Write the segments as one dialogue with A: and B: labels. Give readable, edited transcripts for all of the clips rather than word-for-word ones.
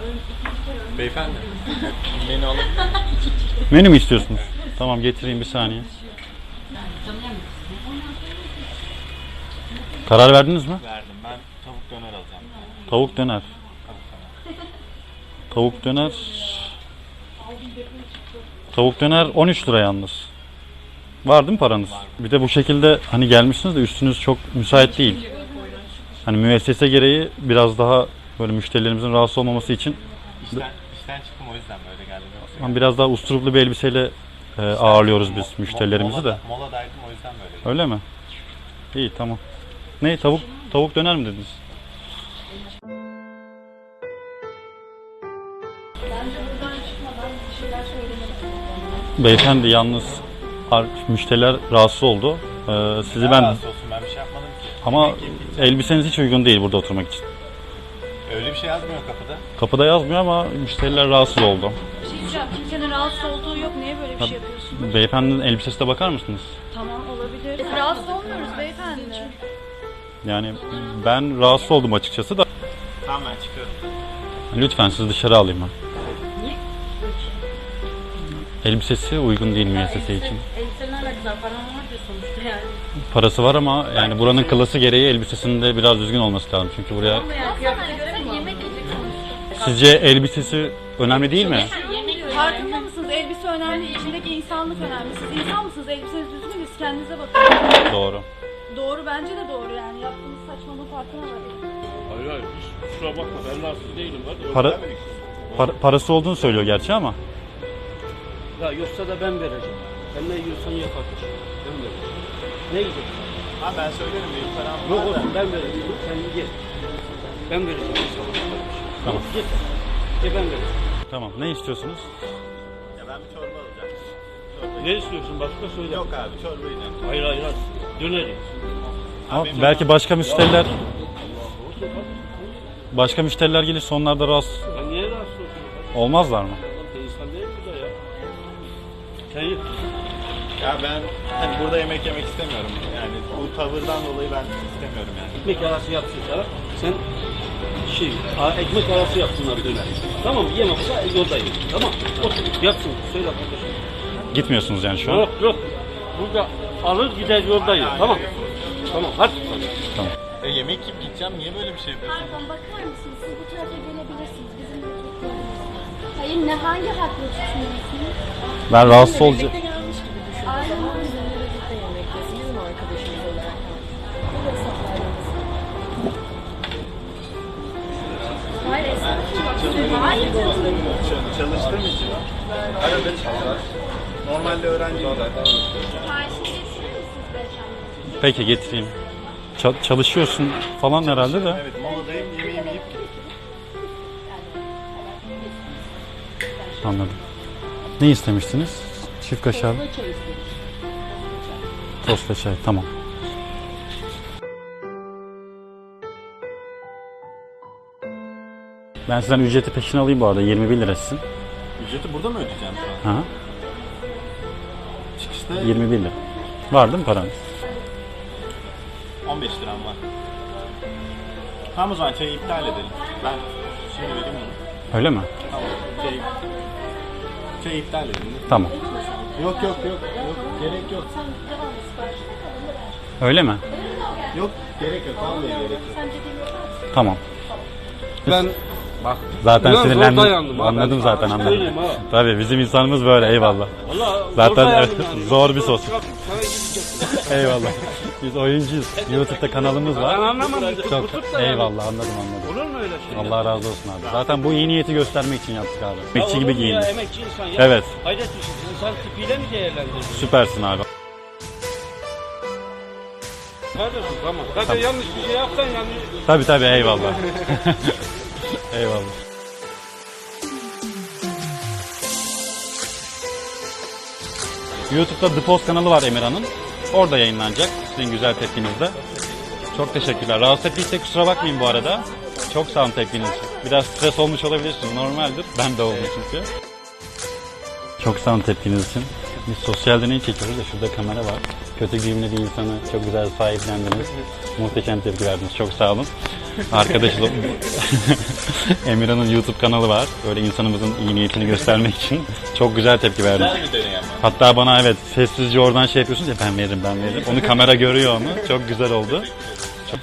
A: Beyefendi, menü alabilir miyim?
B: Menü mü istiyorsunuz? Tamam, getireyim bir saniye. Karar verdiniz mi?
A: Verdim. Ben tavuk döner alacağım.
B: Tavuk döner. Tavuk döner. Tavuk döner 13 lira yalnız. Var değil mi paranız? Bir de bu şekilde hani gelmişsiniz de üstünüz çok müsait değil. Hani müessese gereği biraz daha böyle müşterilerimizin rahatsız olmaması için
A: İşten çıktım, o yüzden böyle geldim. Yoksa
B: biraz daha usturuplu bir elbiseyle ağırlıyoruz biz müşterilerimizi de.
A: Moladaydım, o yüzden böyle geldim.
B: Öyle mi? İyi, tamam. Ne, tavuk döner mi dediniz? Beyefendi yalnız müşteriler rahatsız oldu. Sizi ben
A: Rahatsız olsun, ben bir şey yapmadım ki.
B: ama
A: Yemek yiyip gideceğim.
B: elbiseniz hiç uygun değil burada oturmak için.
A: Öyle bir şey yazmıyor kapıda.
B: Kapıda yazmıyor ama müşteriler rahatsız oldu.
C: Bir şey diyeceğim. Kimsenin rahatsız olduğu yok. Niye böyle bir şey yapıyorsunuz?
B: Beyefendinin elbisesine bakar mısınız?
C: Tamam, olabilir. Rahatsız olmuyoruz beyefendi.
B: Yani ben rahatsız oldum açıkçası da.
A: Tamam, ben çıkıyorum.
B: Lütfen sizi dışarı alayım ben. Elbisesi uygun değil müessese için.
C: Elbisenin alakası var. Paran var diyor sonuçta yani.
B: Parası var ama yani buranın klası gereği elbisesinde biraz düzgün olması lazım. Çünkü buraya...
C: Yani kıyafete göre mi? Yemek yiyecek sonuçta.
B: Sizce elbisesi önemli değil mi?
C: Farkında mısınız? Elbise önemli. İçindeki insanlık önemli. Siz insan mısınız? Elbiseniz düzgün mü? Siz kendinize bakın.
B: Doğru.
C: Doğru, bence de doğru yani. Yaptığınız saçmalığın farkına varın.
D: Hayır, hiç kusura bakma, ben rahatsız değilim. Hadi.
B: Parası olduğunu söylüyor gerçi ama.
D: Ya yoksa da ben vereceğim. Sen ne yiyorsan ye kardeşim. Ben vereceğim. Ne yiyeceksin?
A: Ha, ben söylerim, benim param
D: Yok
A: var da.
D: olsun, ben vereceğim. Sen ye. Ben vereceğim sana kardeşim.
B: Tamam.
D: Ye. Ye, ben vereceğim.
B: Tamam. Ne istiyorsunuz?
A: Ya ben bir çorba alacağım. Çorba
D: Ne istiyorsun? Başka söyle.
A: Yok abi, çorba yiyeceğim.
D: Hayır. Döneri.
B: Ama
A: benim
B: belki başka müşteriler gelirse onlar da rahatsız
D: Ben niye rahatsız olsun?
B: olmazlar mı?
D: İnsan değil bu da ya. Sen ye.
A: Ya ben hani burada yemek yemek istemiyorum. Yani bu tavırdan dolayı ben istemiyorum yani.
D: Ekmek arası yapsın sana. Sen ekmek arası yapsınlar döner. Tamam mı? Yemekse yoldayım. Tamam. Otur yapsın. Söyle kardeşim.
B: Gitmiyorsunuz yani şu an.
D: Yok. Burada alır gider yoldayım. Tamam. Tamam hadi.
A: Yemek yiyip gideceğim, niye böyle bir şey yapıyorsun?
E: Pardon, bakar mısınız? Siz bu tarafa gelebilirsiniz. Bizim de çok yolumuz var. Hayır, ne hangi hakla tutunuyorsunuz?
B: Ben rahatsız olacağım.
E: Aynen. Hayır,
A: Çalıştığım için. Arada çalışar. Normalde öğrenciyim zaten.
E: siparişini getirir misiniz beyefendi?
B: Peki, getireyim. Çalışıyorsun falan herhalde de.
A: Evet, moladayım, yemeğimi yiyip
B: Anladım. Ne istemiştiniz? Çift kaşar. Tost ve çay. Tamam. Ben sizden ücreti peşin alayım bu arada. 21 lira sizin.
A: ücreti burada mı ödeyeceğim şu an?
B: Aha.
A: Çıkışta
B: 21 lira. Var değil mi paranız?
A: 15 liram var. Tamam, o zaman çayı iptal edelim. Ben şimdi vereyim onu.
B: Öyle mi?
A: Tamam, çayı iptal edelim.
B: Tamam.
A: Yok, gerek yok.
B: Öyle mi?
A: Yok, gerek yok, vallahi gerek yok.
B: Tamam.
D: Ben bak
B: Zaten
D: biraz zor
B: sinirlendim.
D: dayandım ha.
B: Anladım
D: Ben
B: zaten,
D: sana
B: anladım.
D: söyleyeyim ha.
B: Tabii bizim insanımız böyle, eyvallah.
D: Vallahi
B: Zaten
D: zor dayandım
B: evet,
D: yani.
B: zor bir sos.
D: Sana gidecektim.
B: Eyvallah. Biz oyuncuyuz. YouTube'da kanalımız
D: Ben
B: var.
D: anlamadım.
B: Çok
D: Tutup da yani.
B: eyvallah, anladım.
D: Olur mu öyle şey?
B: Allah razı olsun abi. Zaten bu iyi niyeti göstermek için yaptık abi.
D: Ya
B: Emekçi
D: olur
B: gibi
D: mu ya,
B: giyindik.
D: emekçi insan ya.
B: Evet.
D: Hayret bir şey. İnsan tipiyle mi değerlendiriyorsun?
B: Süpersin abi.
D: Kardeşim tamam. Zaten yanlış bir şey yapsan yani.
B: Tabii eyvallah. Eyvallah. YouTube'da The Post kanalı var Emirhan'ın. Orada yayınlanacak sizin güzel tepkinizle. Çok teşekkürler. Rahatsız ettiysek kusura bakmayın bu arada. Çok sağ olun tepkiniz için. Biraz stres olmuş olabilirsiniz. Normaldir. Ben de oldum çünkü. Çok sağ olun tepkiniz için. Biz sosyal deney çekiyoruz da şurada kamera var. Kötü giyimli bir insanı çok güzel sahiplendiniz. Muhteşem tepki verdiniz. Çok sağ olun. Arkadaşım Emirhan'ın YouTube kanalı var. Öyle insanımızın iyi niyetini göstermek için çok güzel tepki verdiniz.
A: Güzel bir deney ama.
B: Hatta bana evet sessizce oradan şey yapıyorsunuz ya ben veririm. Onu kamera görüyor onu. Çok güzel oldu. Çok...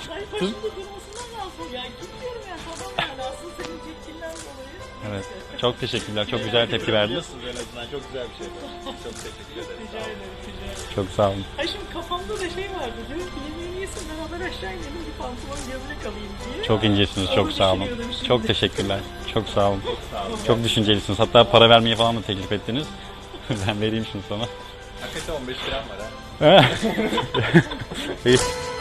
B: Evet. Çok teşekkürler. Çok güzel tepki verdiniz.
A: En azından çok güzel bir şey. Çok teşekkür ederim. Sağ olun.
B: Çok sağ olun.
F: Ay şimdi kafamda da şey vardı. Diyorum ki yemeğini yesin beraber aşağı inelim bir pantolon gömlek alayım diye.
B: Çok incesiniz. Çok
F: Onu
B: sağ olun.
F: düşünüyordum şimdi.
B: Çok teşekkürler. Çok sağ olun. Çok düşüncelisiniz. Hatta para vermeyi falan da teklif ettiniz. Ben vereyim şunu sana.
A: Hakikaten 15 liram var ha.
B: İyi.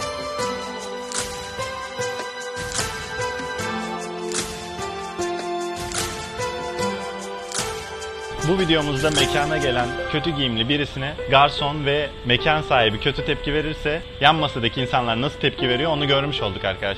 A: Bu videomuzda mekana gelen kötü giyimli birisine garson ve mekan sahibi kötü tepki verirse yan masadaki insanlar nasıl tepki veriyor onu görmüş olduk arkadaşlar.